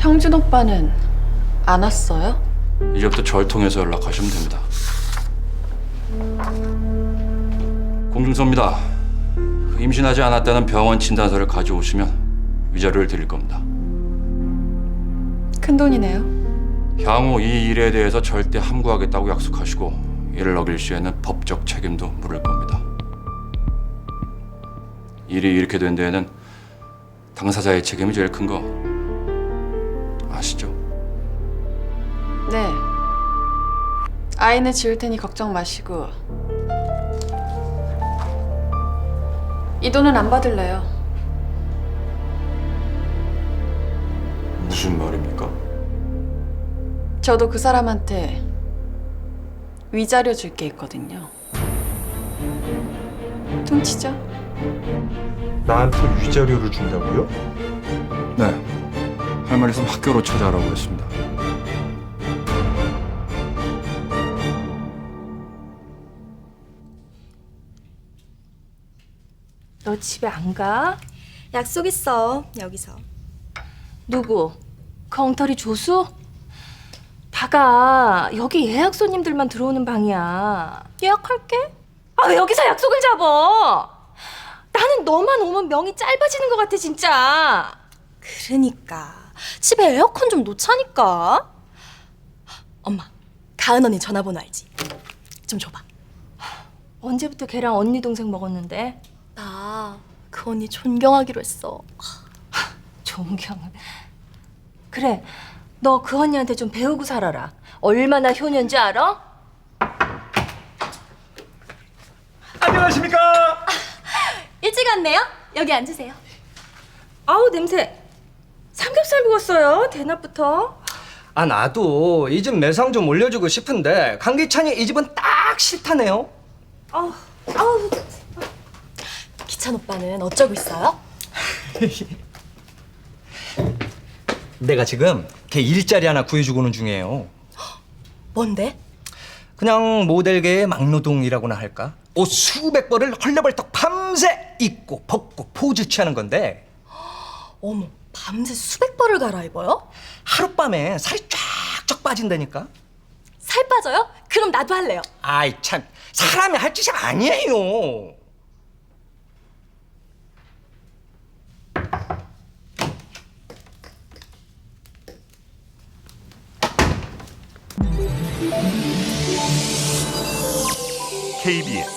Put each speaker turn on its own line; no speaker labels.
형준 오빠는 안 왔어요?
이제부터 절 통해서 연락하시면 됩니다. 공중서입니다. 임신하지 않았다는 병원 진단서를 가져오시면 위자료를 드릴 겁니다.
큰돈이네요.
향후 이 일에 대해서 절대 함구하겠다고 약속하시고 이를 어길 시에는 법적 책임도 물을 겁니다. 일이 이렇게 된 데에는 당사자의 책임이 제일 큰 거 아시죠?
네. 아이는 지울 테니 걱정 마시고 이 돈은 안 받을래요.
무슨 말입니까?
저도 그 사람한테 위자료 줄 게 있거든요. 퉁치죠?
나한테 위자료를 준다고요?
네. 할 말 있으면 학교로 찾아오라고 했습니다.
너 집에 안 가?
약속 있어, 여기서.
누구? 그 엉터리 조수? 다가 여기 예약 손님들만 들어오는 방이야. 예약할게. 아, 왜 여기서 약속을 잡어? 나는 너만 오면 명이 짧아지는 것 같아, 진짜.
그러니까 집에 에어컨 좀 놓자니까. 엄마, 가은 언니 전화번호 알지? 좀 줘봐.
언제부터 걔랑 언니 동생 먹었는데?
나 그 언니 존경하기로 했어.
존경을. 그래, 너 그 언니한테 좀 배우고 살아라. 얼마나 효녀인지 알아?
안녕하십니까?
일찍 왔네요. 여기 앉으세요.
아우, 냄새. 삼겹살 구웠어요, 대낮부터.
아, 나도 이 집 매상 좀 올려주고 싶은데 강기찬이 이 집은 딱 싫다네요.
아우, 아우.
기찬 오빠는 어쩌고 있어요?
내가 지금 걔 일자리 하나 구해주고는 중이에요.
뭔데?
그냥 모델계의 막노동이라고나 할까? 옷 수백 벌을 헐레벌떡 밤새 입고 벗고 포즈 취하는 건데
어머, 밤새 수백 벌을 갈아입어요?
하룻밤에 살이 쫙쫙 빠진다니까?
살 빠져요? 그럼 나도 할래요.
아이 참, 사람이 할 짓이 아니에요.
KBS